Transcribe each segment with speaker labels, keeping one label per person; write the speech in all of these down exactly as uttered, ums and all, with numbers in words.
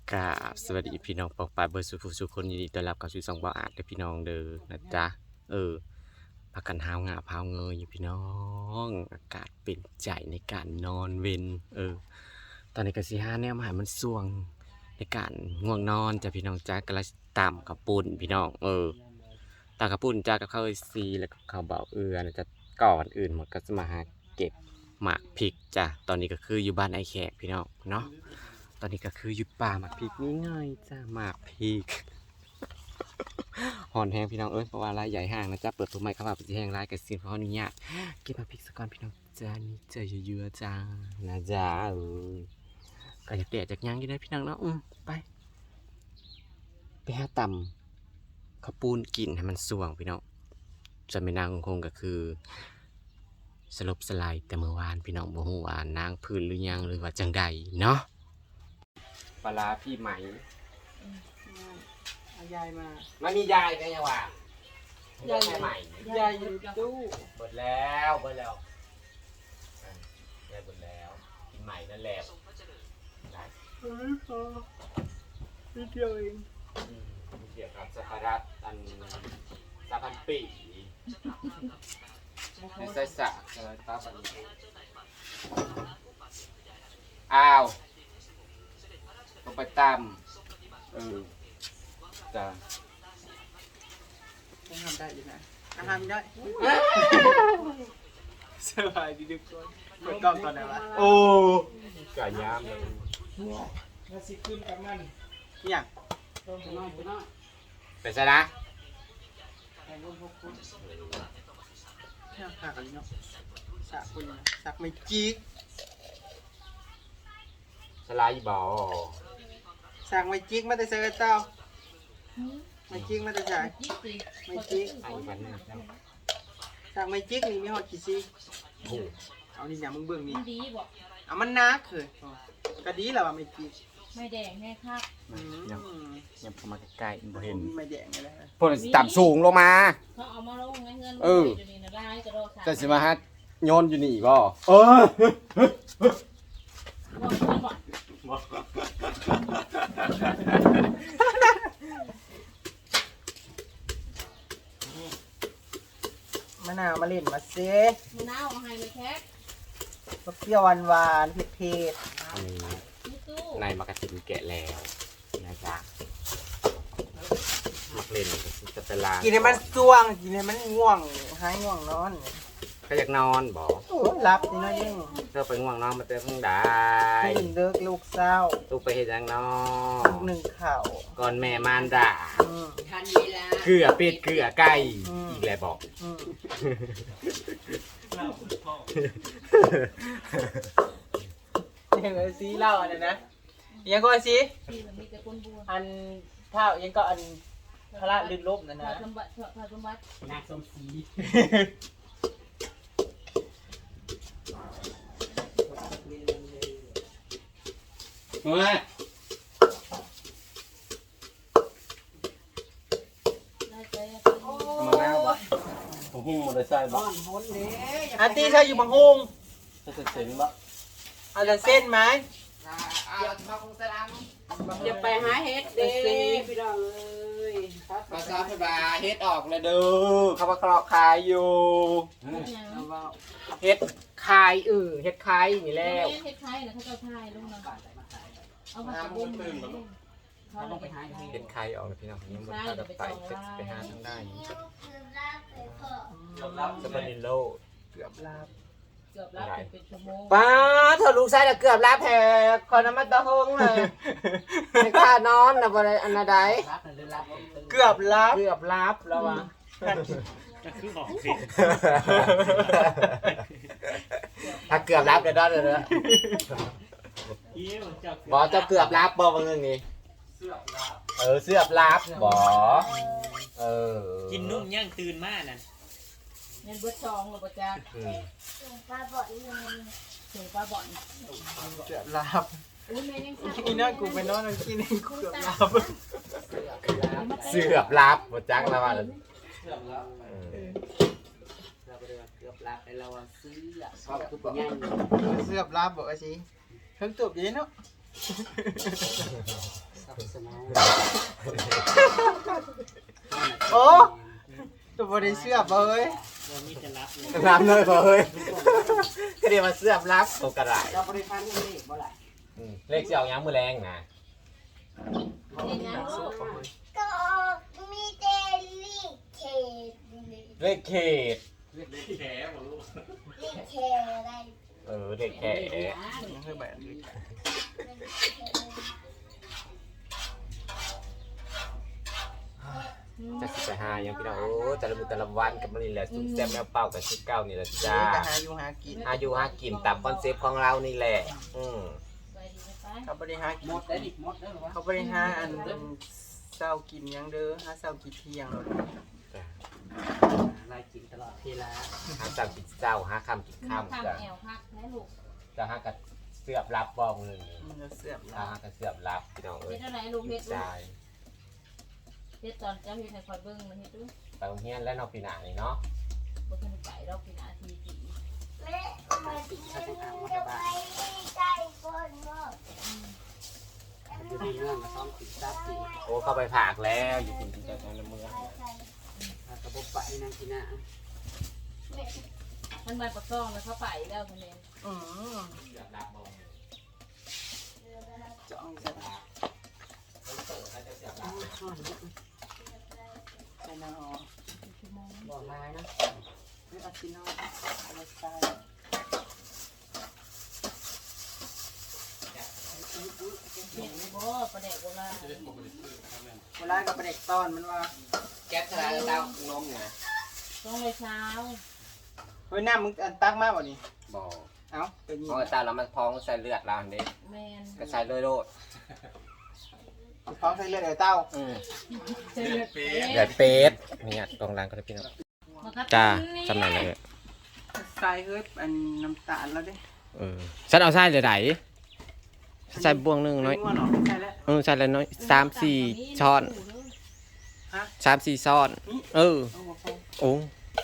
Speaker 1: กราบสวัสดีพี่น้องปองปายเบอร์สุภูสุคนยินดีต้อนรับเข้าสู่ช่องบ่าวอาจเด้อพี่น้องเด้อนะจ๊ะเออพักกันหาวงาพาวเงยอยู่พี่น้องอากาศเป็นใจในการนอนเวนเออตอนนี้ก็สิห้าแนวมาให้มันส่วงในการง่วงนอนจ้ะพี่น้องจ้ากำลังตำกับปุ่นพี่น้องเออตำกับปุ่นจ้ากับข้าวซีแล้วก็ข้าวเบาเอือนะจ๊ะก่อนอื่นหมดก็จะมาหาเก็บหมากพริกจ้ะตอนนี้ก็คืออยู่บ้านไอแขกพี่น้องเนาะตอนนี้ก็คืออยู่ป่าหมากพริกนี่ไงจ้าหมากพริก หอนแห้งพี่น้องเอ้ยเพราะว่าลายใหญ่ห่างนะจ๊ะเปิดตัวใหม่เข้ามาเป็นแห้งลายกับซีนเพราะอนุญาตเก็บหมากพริกสักก่อนพี่น้องจ้านี่เจอเยอะๆจ้านะจ๊ะเออก็อยากแดดจากย่างอยู่ได้พี่น้องเนาะอืมไปไปหาตำข้าวปูนกินให้มันสว่างพี่น้องจะไม่นางคงก็คือสลบสลายแต่เมื่อวานพี่น้องบ่ฮู้ว่านางพื้นหรือยังหรือว่าจังใดเนาะปลาพี่ไหม
Speaker 2: เอายายมา
Speaker 1: มันมียายได้ยังวะยายใหม่
Speaker 2: ยายอยู่ตู้
Speaker 1: เบิดแล้วเบิดแล้วอ่ะยายเบิดแล้วกินใหม่นั่นแหละได้
Speaker 2: เฮ้ยพอนิดเดียวเอง
Speaker 1: อืมเกี่ยวกับสภาระอันสาพันปีในไส้สักใช่ไหมป้าปันอ้าวต้องไปตามเออจ้า
Speaker 2: ต้องทำได้อยู่นะอาหารได้สบายดีทุกคนเปิดกล้องตอนไหนวะ
Speaker 1: โอ้ไก่ย่างเลย
Speaker 2: มาสิขึ้นกับมันเนี่ยน้อยน้อย
Speaker 1: เป็นไงนะ
Speaker 2: แข่งร่วมพวกคุณแค่ขากันเนาะสักคุณนะสักไม่จิก
Speaker 1: สไลด์บอล
Speaker 2: สักไม่จิกมาแต่ใส่กระเต้าไม่จิกมาแต่ใส่ไม่จิก
Speaker 1: ไอ้วันนี้เจ้า
Speaker 2: สักไม่จิกนี่มีหอดกี่ซี
Speaker 1: โอ้
Speaker 2: เอานี่เนี่ยมึงเบิ่งนี่
Speaker 3: มันดีบอก
Speaker 2: เอามันนักเคยก็ดีแล้วว่าไม่จิก
Speaker 3: ไม่แดงแน่ครับ
Speaker 2: อืม
Speaker 1: ยังพอมาใกล้ๆบ่เห็น
Speaker 2: ไม่แดงอะไรนะ
Speaker 1: พวกต่ำสูงลงมา
Speaker 3: เขาเอามาลงไงเงิน
Speaker 1: เออ
Speaker 3: เดี๋ยวนี้นะได้กระโดดขา
Speaker 1: จะสิมาฮัดโยนอยู่นี่บ่เออ
Speaker 3: บอกเงินบอก
Speaker 2: มะนาวมาเล่นมาเซ่
Speaker 3: มะนาวเอาให้เลยแคท
Speaker 2: เปรี้ยวหวานหวานๆเผ็ด
Speaker 1: อันนี้
Speaker 3: นี่ตู้
Speaker 1: ในมากระตินแกะแล้วนะจ๊ะมักเล่นจะเป็นลา
Speaker 2: ๆกินให้มันส่วงกินให้มันง่วงหายง่วงนอน
Speaker 1: ก็อยากนอนบ่
Speaker 2: โอ้ยหลับนี่นะยิ่ง
Speaker 1: เธอไปง่วงนอนมาเจอข้างใด
Speaker 2: ตื่นเลิกลูกเศร้า
Speaker 1: ลูกไปเฮ็ดหยังนอ
Speaker 2: ลูกหนึ่งเข่า
Speaker 1: ก่อนแม่มารดา
Speaker 2: อืม
Speaker 3: ทันเวลา
Speaker 1: เกลือเป็ดเกลือไก่
Speaker 2: อืม
Speaker 1: อีกแล้วบอก
Speaker 2: อืมยังไงซีเล่าอันนั้นนะยังก็ซี
Speaker 3: ที่มันมีแต่คนบัว
Speaker 2: อันเท่ายังก็อันพระลื่นลบนั่น
Speaker 3: พอ
Speaker 2: นะ
Speaker 3: สมบัติพอสมบัติ
Speaker 2: นางสมศรี
Speaker 1: เฮ้ย
Speaker 3: ได้ใจ
Speaker 1: มาแล้วบ่ผมพุ่งมอเตอร์ไซค์บ่
Speaker 2: อันที่ใช่อยู่บางฮง
Speaker 1: จะเซ็นบ่
Speaker 2: เอาจะเส้นไหม
Speaker 3: จะไปหาเฮ็ดเด้
Speaker 2: พี่น้องเอ้ย
Speaker 1: ภาษาพบาเฮ็ดออกเลยเด้อเขาว่าเคราะห์ขายอยู่
Speaker 2: เอาว่า
Speaker 1: เฮ็ดคายเออเฮ็ดคายนี่
Speaker 3: แล้
Speaker 1: แล้ว
Speaker 3: วเฮ็ดไทยนะเขาจะไทยลงมาเอามาตะบุญเขาลงไปหาเฮ็
Speaker 1: เฮ็
Speaker 3: ด
Speaker 1: ดคายออกเลยพี่น้องยังบ่ทันได้ไปไปหาทางได้สปานิโล
Speaker 2: เกือบลาบ
Speaker 3: เกือบรับเป็นชั่วโมง
Speaker 1: ป้าเธอลูกชายน่ะเกือบลาแพ้คนน้ำมันตะหงเลยไม่กล้านอนน่ะบ่ได้อันใด
Speaker 2: เกือบลาบ
Speaker 1: เกือบลับแล้วว่ะ ถ้าเกือบรับเดี๋ยวได้เลยนะบอจะเกือบรับบอบางเรื่องนี้เออเสือบรับบอเออ
Speaker 4: กินนุ่มย่างตื่นมากนั่น
Speaker 3: เงินเบิดซองหรือบ่จ้า
Speaker 1: อืม
Speaker 3: ถึงปลาบ่อน
Speaker 2: เกือบลาบ
Speaker 3: อุ้ยแม่ยังสั่ง
Speaker 2: กินนั่นกูไปนอนกินนี่กูเกือบลาบ
Speaker 1: เสือบรับบอจักแล้วว่า
Speaker 4: เกือบแล้วเราไปเกือบลาไปเราซื้อชอบคือเป็นย่าง
Speaker 2: เกือบลาบบอกว่าสิเพิ่งตบอยู่เนาะ
Speaker 4: สกับสมอง
Speaker 2: โอ้ตัวบริเสื้อเอ้ย
Speaker 1: น้ำเลยพอเฮ้ยก็เดี๋ยวมาเสื้อรับโอกระไร
Speaker 4: เราบริพันธ์นี่บ่ไหล
Speaker 1: เลขสิออกยังมือแรงนะ
Speaker 3: เห็นยังลูก
Speaker 5: ก็มีเดลิเคท
Speaker 1: เลขเขต
Speaker 5: ลิเคอะไร
Speaker 1: เออเลขแข
Speaker 2: ยังเคยแบบนี้
Speaker 1: จะสิบไปหายังพี่น้องโอ้แต่ละมือแต่ละวันกับมันนี่แหละซุปแซ่บแมวเป่ากับชุดเก้านี่แหละจ้า
Speaker 2: ก็หาอยู่หากิน
Speaker 1: อายุหากินตามคอนเซปต์ของเรานี่แหละอืม
Speaker 3: ไปดีไป
Speaker 2: เขาบริหากิ
Speaker 4: หม
Speaker 2: น
Speaker 4: ดได้ดิหมดได้หรอวะ
Speaker 2: เขาบริหาอันเศร้ากินยังเด้อหาเศร้ากินเที่ยง
Speaker 4: ลายกินตลอดเวลา
Speaker 1: หาสามกินเจ้าหาคำกิน
Speaker 3: ข้าม
Speaker 1: ข้ามจ้ะ
Speaker 3: แอวพักแม่ลูก
Speaker 1: จะหากับเสือบรับบองหนึ่ง
Speaker 2: มันจะเสื่อม
Speaker 1: ถ้าหากับเสือบรับพี่น้องเอ้
Speaker 3: เฮ็
Speaker 1: ย
Speaker 3: ดอะไรลูกเฮ็ดลูก
Speaker 1: ใช่
Speaker 3: เฮ็ดตอนเจ้าเฮ็ดให้คอยเบิ่งมันเฮ็ดดู
Speaker 1: ไปโรงเรียนแล้วเนอกปีหน้านี่เนาะ
Speaker 3: บ่ทันไปดอกพี่นาทีกี่
Speaker 5: แม่มาที่นี่จะไปใกล้คนบ่
Speaker 4: อยู่ในเรื่องมาซ้อมกินซับกิน
Speaker 1: โอ้เข้าไปผากแล้วอยู่กินกินใจในเมือง
Speaker 4: กระบอกไปนั่งกินน่ะ
Speaker 3: มันมาประกองแล้วเขาไปแล้วคนนี้
Speaker 2: อืม
Speaker 1: เสือบรับบอง
Speaker 2: จ้องจะ
Speaker 1: เปิดแล้วจะเสือบรับ
Speaker 2: ใส่น้ำออก
Speaker 4: บอกลายนะ
Speaker 2: ไม่เอาซีโน่เอาใส่
Speaker 3: เฮ็ดบ่ประเด็กโบราณ
Speaker 2: เวลากับเด็กตอนมันว่า
Speaker 1: แก๊สทลายแล้วเต้านมเนี่ย
Speaker 3: ต้องเลยเช้า
Speaker 2: เฮ้ยหน้ามึงอันตักมากกว่านี้
Speaker 1: บอก
Speaker 2: เอ้าเป็นยี่
Speaker 1: เพราะว่าเต้าแล้วมันพองใส่เลือดเราเด็ก
Speaker 3: แม่น
Speaker 1: ก็ใส่เลยโลด
Speaker 2: พร้อมใส่เลือดไอ้เต้า
Speaker 1: อืม
Speaker 3: เดือดเป็ด
Speaker 1: เดือดเป็ดนี่ตรงร้านก็ได้พี่น้องจ้าจำหน่ายเลย
Speaker 2: ใส่เฮ้ยอันน้ำตาลแล้วดิ
Speaker 1: เออฉันเอาไส้เลยไหนใส่บวงหนึ่งน้อย
Speaker 2: ว่าหนอใส่แล้ว
Speaker 1: เออใส่เลยน้อยสามสี่ช้อน
Speaker 2: ฮะ
Speaker 1: สามสี่ช้อน เออ
Speaker 2: เอาหัวฟอง
Speaker 1: โอ้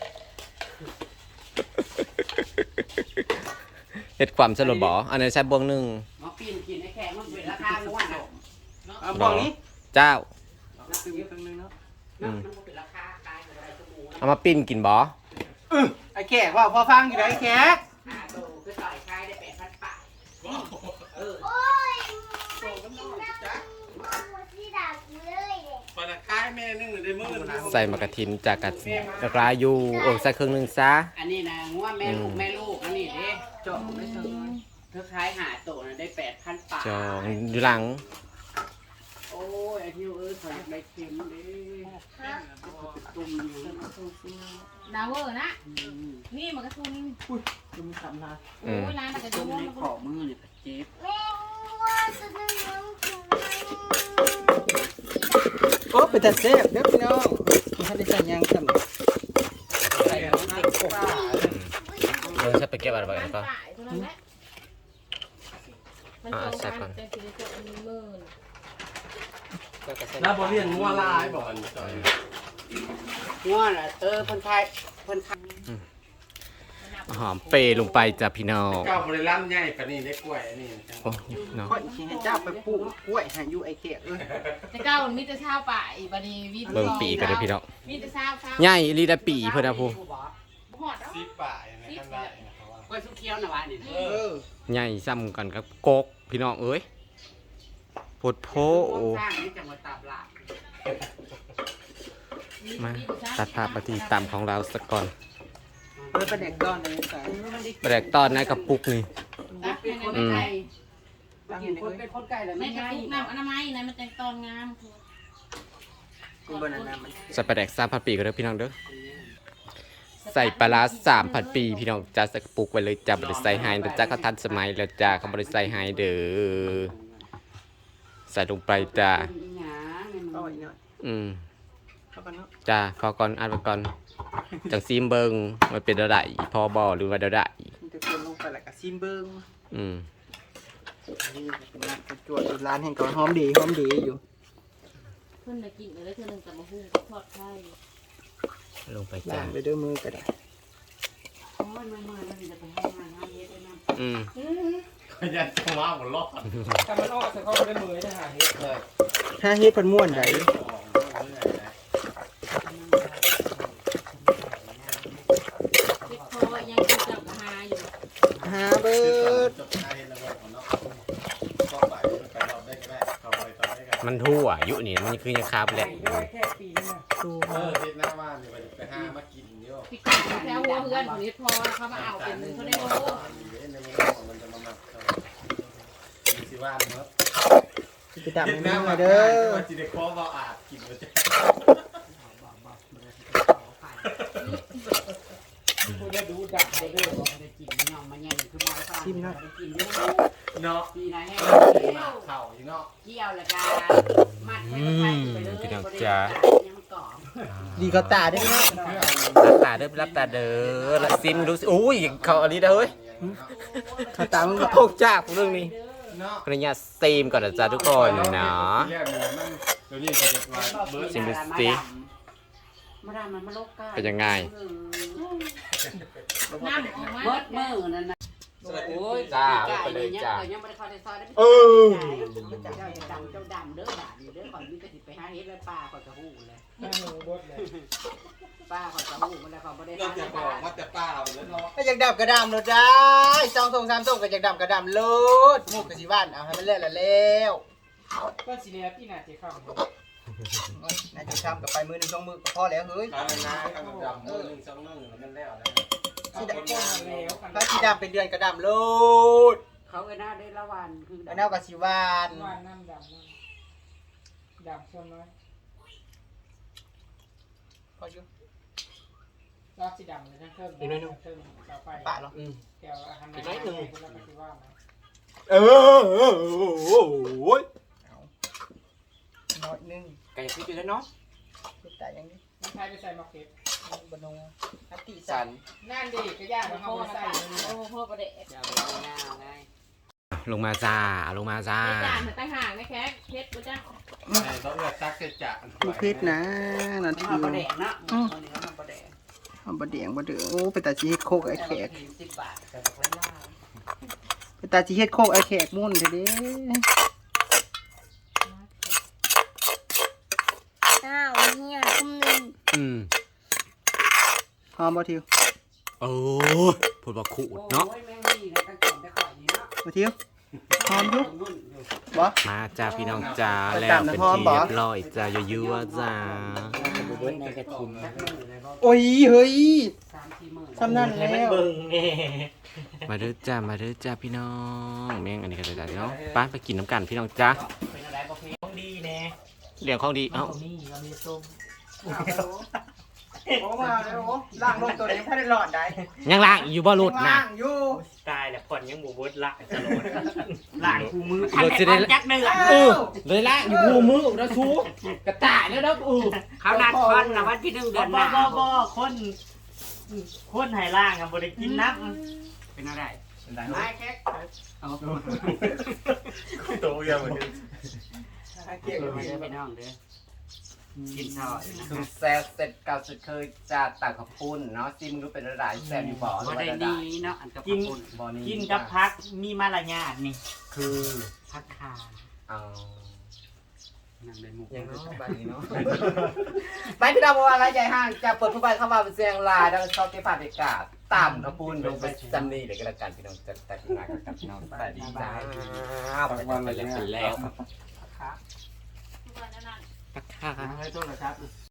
Speaker 1: เห็ดความสลดบ่อันนี้ใส่บวงหนึ่ง
Speaker 4: มาปีนกินไอ้แขกมันเป็นราคาล้วนอ่ะ
Speaker 2: เอาฟองนี้
Speaker 1: เจ้า
Speaker 2: ตึงตึงนึงเนาะ
Speaker 4: มันเป็นราคาตายกับอะไรตัวหมู
Speaker 1: เอามาปิ้นกินบ่
Speaker 2: ไอ้แขกว่าพอฟังอยู่ไหนไอ้แขก
Speaker 4: หาโตก็ต่อยคายได้แปดพันบาทเออ
Speaker 5: โอ้ยไม่กินน้ำมันที่ดักเลยเด็ก
Speaker 2: ปลาคายแม่นึงได้มื้อ
Speaker 1: ใส่มะกะทินจากกะกระลาอยู่โอ้ใส่ครึ่งหนึ่งซะ
Speaker 4: อันนี้นะงัวแม่ลูกแม่ลูกอันนี้เด้
Speaker 2: เจาะไม่เชิง
Speaker 4: เธอขายหาโตนะได้แปดพันบาท
Speaker 1: จองอยู่หลัง
Speaker 4: โอ้ยไอ้ที่เอ้ยขออยากได้เค็มเด้ตุ่มอยู่
Speaker 3: ดาวเวอร์นะนี่มันกระทุน
Speaker 2: ดูมีสามนา
Speaker 3: โอ้ยร้านมันกระ
Speaker 4: ตุ่
Speaker 3: ดุ
Speaker 4: ม
Speaker 3: ม
Speaker 4: ในขอมือนี่ก็เจ็บ
Speaker 5: แม่ว่าจะนึงน้ำถึง
Speaker 2: โอ้เป็นแต่เซฟเด้อพี่น้องถ้าได้ใส่ยางสั่น
Speaker 4: ใส่แล้วมันติดกบ
Speaker 1: เออใส่ไปเก็บอะไรไปกันก็
Speaker 3: มันตรงกันเป็นสิริโสอันนี้หมื่น
Speaker 6: แล้วบริเวณงัวลายบอกอันจอย
Speaker 4: งัวน่ะเออเพิ่นขายเพิ่นขาย
Speaker 1: หอมเปรย์ลงไปจ้ะพี่น้อง
Speaker 6: เก้าบริลัมใหญ่ปานนี้ได้กล้วยอันนี้
Speaker 1: โอ้เนาะ
Speaker 2: ค่อยสิให้เจ้าไปปลูกกล้วยให้อยู่ไอ้แขกเอ้ย
Speaker 3: แต่เก้ามันมีแต่เช้าป่าอีบัดนี้วิทย์
Speaker 1: เบิ่งปีกันเลยพี่น้อง
Speaker 3: มีแต่เช้าเช้า
Speaker 1: ใหญ่ลีละปีเพิ่นนะพู
Speaker 3: หอดเอา
Speaker 6: สิบป่ายนะข้างได้นะครับว่าก
Speaker 4: ล้วยสุกเขียวน่ะวะนี่
Speaker 2: เออ
Speaker 1: ใหญ่ซ้ำกันกับกกพี่น้องเอ้ยโพดโพโอ
Speaker 4: สร้างนี่จังหวัดตราดลาด
Speaker 1: มาตัดภาพมาที่ตามของเราสักก่อน
Speaker 2: เออเป็นเด็กตอนเลยใส่
Speaker 1: แบกตอนในกระปุกนี่
Speaker 4: ตักเป็นคนไก่กินคนเป็นคนไก่แล้ว
Speaker 3: ใน
Speaker 4: ไม่
Speaker 3: กระ
Speaker 4: ง่าย
Speaker 3: ปุกน้ำอนามัยนะมันแต่งตอนงาม
Speaker 2: กูบนนั้นมัน
Speaker 1: ใส่ปลาแดกสามพันปีกันเด้อพี่น้องเด้อใส่ปลาร้าสามพันปีพี่น้องจะใส่กระปุกไว้เลยจ้าบริใส่ไฮเด้อจ้าเขาทันสมัยแล้วจ้าเขาบริใส่ไฮเด้อใส่ลงไปจ้า
Speaker 2: ก็อีกหน่อย
Speaker 1: อืม
Speaker 2: เข้ากันเนาะ
Speaker 1: จ้าพอก่อนอ่านไปก่อนจังซีมเบิงมันเป็นอะไรพอบอหรือว่าเดาได้
Speaker 2: มันจะคนลงไปแล้วก็ซิมเบิ้ง
Speaker 1: อืม
Speaker 2: นี่เป็นร้านกระจวดอยู่ร้านแห่งก่อนหอมดีหอมดีอยู่
Speaker 3: เพิ่นได้กินเลยเธอหนึ่งแต่มาหุ้งทอดไข่
Speaker 1: ลงไป
Speaker 2: ล้า
Speaker 1: จ้าง
Speaker 2: ไปด้วยมือก็ได้
Speaker 4: โอ้ยเมื่อยๆแล้วจะไปให้งานงานเฮ็ดได้นำ
Speaker 1: อืม
Speaker 6: ก็ยันว่าหมดรอด
Speaker 2: ถ้ามันออกจะเข้าไปได้มือได้หาเห็ด
Speaker 6: เลย
Speaker 2: ถ้าเฮ็ดเพิ่นม่วนได้
Speaker 3: เฮ็ดพอยังคือจับหาอยู่
Speaker 2: หาเบิด
Speaker 1: มันทั่วอายุนี่มันคือยังคาบแหละ
Speaker 2: แค่ปีนึง
Speaker 6: เออทิศหน้าบ้านนี่ไปหามากินเยอะ
Speaker 3: พี่กาแถวหัวเพื่อนเฮ็ดพอเขามาเอาเป็นเขาได้โล
Speaker 6: มันจะมาหมักสิว่าเนาะ
Speaker 2: ไปดับให้มันมาเด้อ
Speaker 6: ว่าสิได้ขอบ่อาบกินบ่จ้ะ
Speaker 4: ผู้ได้ดูดักได้เด้อบ่ได้กินย่องมาแย่งคือหมอฟ้าได้กินเด้อ
Speaker 6: เนาะ
Speaker 4: ปีนะแห้ง
Speaker 6: เข่าอยู่เนาะ
Speaker 4: เกี่ยวแล้วก็มัดไปไปเลยยังก่อ
Speaker 2: ดีเขาตาได้ไหม
Speaker 1: รับตาเด้อรับตาเด้อละซิมดูสิอุ้ยเขาอันนี้เด้อเฮ้ย
Speaker 2: เขาตามึง
Speaker 1: พกจากเรื่องนี้
Speaker 6: เนาะ
Speaker 1: ขออนุญาตซีมก่อนนะจ๊ะทุกคนเนาะ
Speaker 6: เดี๋ยวนี้เขาจะว่าเบิร์ด
Speaker 1: ซิมดูสิ
Speaker 4: มาดามมันมาลกกา
Speaker 1: เป็นยังไง
Speaker 3: น้ำออกมา
Speaker 4: เบิดมือนั่นน่ะโอ้ยยังไม่ได้เข้าในซอยได้
Speaker 1: เออ
Speaker 4: เจ้าจะดำเจ้าดำเด้อด่าอยู่เด้อก่อนมีกระติไปหาเฮ็ดแล้วป้าก็จะหู้เลยป้าก็จะหู้มันแล้วเขาไม่ได้
Speaker 6: เรา
Speaker 4: ทำ
Speaker 6: จะบอกว่าแต่ป้าเราแล้วเนาะ
Speaker 2: ถ้าอยากดับกระดำเลยได้สองส่งสามส่งก็อยากดับกระดำโลดหมูกกะสิบ้านเอาให้มันเละละแล้ว
Speaker 7: ก็สิเลียพี่น่าจะเข้า
Speaker 2: น่าจะทำกับไปมือหนึ่งสองมือก็พอแล้วเฮ้ย
Speaker 6: ตอนนั้นนะทำดำมือหนึ่งสองมือมันแล้วนะ
Speaker 2: สีดำถ้าสีดำเป็นเดือนกระดำโลด
Speaker 4: เขาไอ้หน้าได้ละวันคือ
Speaker 2: อันนั้นกะสิวาน
Speaker 7: วานน้ำดำน้ำดำส่วนน้อย
Speaker 2: พออยู่
Speaker 7: รอบสีดำเลยทั้งเครื่องเครื่องเสาไฟ
Speaker 2: ปะหรอ
Speaker 7: แก้วอาหารน้อยหนึ่งคุณรับปฏิวัตินะ
Speaker 1: เออเออโอ้ย
Speaker 2: น้อยหนึง
Speaker 1: ไก่พี่อยู่แล้วเนาะ
Speaker 2: คิดแต่ยังนี้
Speaker 7: ไม่ใช่ไปใส่มะเขือบ
Speaker 2: นงอัตติ
Speaker 1: สั
Speaker 2: สั
Speaker 1: น
Speaker 2: น
Speaker 7: นั่นดิก็ยากมัน
Speaker 3: พ่
Speaker 7: เอา
Speaker 3: อ
Speaker 7: ไป
Speaker 3: มา
Speaker 7: ใส่
Speaker 3: ใส่โอ้พ่อประเดะ
Speaker 4: จะไปหน้าไง
Speaker 1: ลงมาจ้าลงมาจ้า
Speaker 3: ไอ้จานมันตั้งห่างนะแค่เพชรกูจ้า
Speaker 6: ต้องเลือกตักจะ
Speaker 2: ลูกพิษนะนา
Speaker 4: มัน
Speaker 2: ที
Speaker 4: มาประเดะนะคนนี้มันประเดะ
Speaker 2: ทำบะเดียงบะเดือโอ้ไปตาจีเฮ็ดโคกไอ้แขก
Speaker 4: สิบบาทแต่ละล่า
Speaker 2: ไปตาจีเฮ็ดโคกไอ้แขกมุ่นเถอะเด้
Speaker 5: อ้าวเนี่ยคุ้มหนึ่ง
Speaker 1: อืม
Speaker 2: หอมบ่ทิว
Speaker 1: โอ้ยพูดว่าขูดเนาะ
Speaker 4: โอ้ยแม่งดีนะตั้งแต่ได้ข่อยนี้เนาะ
Speaker 2: บ่ทิวหอมอยู่
Speaker 4: นุ่นอยู่
Speaker 2: บ่
Speaker 1: มาจ้าพี่น้องจ้า
Speaker 2: ไป
Speaker 1: แล้ว
Speaker 2: ตาม
Speaker 1: เป็น
Speaker 2: น้ำหอม
Speaker 1: ที่
Speaker 2: บ่
Speaker 1: เรียบร้อยจ้ายั่วๆจ้า
Speaker 4: ในกระถิ่นสักมือเลยก็
Speaker 2: โอ้ยเฮ้ย
Speaker 4: สามสี่หมื่น
Speaker 2: สำนั่นแล้ว
Speaker 1: มาเด้อจ้ามาเด้อจ้าพี่น้องแม่งอันนี้ก็จะจ้าพี่น้องป้านไปกินน้ำกันพี่น้องจ้า
Speaker 7: เป็นอะไรประเภทของดีแน่
Speaker 1: เลี้ยงของดีเอ้า
Speaker 7: นี่เรามีส้ม
Speaker 2: โอ้มาแล้วโอ้ล่างลงตัวนี้ถ้าได้หลอดได้
Speaker 1: ยังล่างอยู่บ่หลุดนะ
Speaker 2: ล่างอยู่
Speaker 7: ตายแล้วผ่อนยังบูบดละจะโหลดหลานคูมือ
Speaker 1: หลุดสิได้
Speaker 7: จักเนื้อ
Speaker 1: เออเลยล่างอยู่หูมือแล้วชูกระต่ายแล้วนะอือ
Speaker 4: เขานัดคนนะวันที่หนึ่งเดือนห
Speaker 7: บ่
Speaker 4: น้า
Speaker 7: บ่บ่คนคนไหล่างอ่ะบ่ได้กินน้ำ
Speaker 4: เป็นอะไรไม่แค่เอา
Speaker 6: โตยังเหมือนกัน
Speaker 2: เกี่ยว
Speaker 4: ไม่ได้ไปน้องเด้อกินซอย
Speaker 1: คือแซ่เสร็จเก่าสุดเคยจะตักกับปุ้นเนาะซิมรู้เป็นอะไรแซ่บอยู่บ่หรือ
Speaker 4: บ่
Speaker 1: ว่า
Speaker 4: ได้
Speaker 1: ได้
Speaker 4: ดีเนาะอันกับคุณ
Speaker 1: บ่นี้
Speaker 7: กินกับพักมีมารยาทนี่
Speaker 1: คือ
Speaker 4: พักคา
Speaker 1: เอา
Speaker 4: นั่นเป็นหมุก
Speaker 1: อย่างเนาะบ้านนี้เนาะ
Speaker 2: ไปพี่ดาวว่าอะไรใหญ่ห้างจะเปิดผู้ใบเข้ามาเป็นเสียงลายแล้วก็ชอบเก็บภาพบรรยากาศต่ำกับปูนลงไปจำนี่เลยก็แล้วกันพี่น้องจะตัดงานกับพี่น้องสวัสดีจ้าไปวันไปแล้วไปแล้ว
Speaker 4: พักคา
Speaker 3: ทุกวันนั้น
Speaker 1: ปักค่ะ
Speaker 4: ให้โทษนะครับ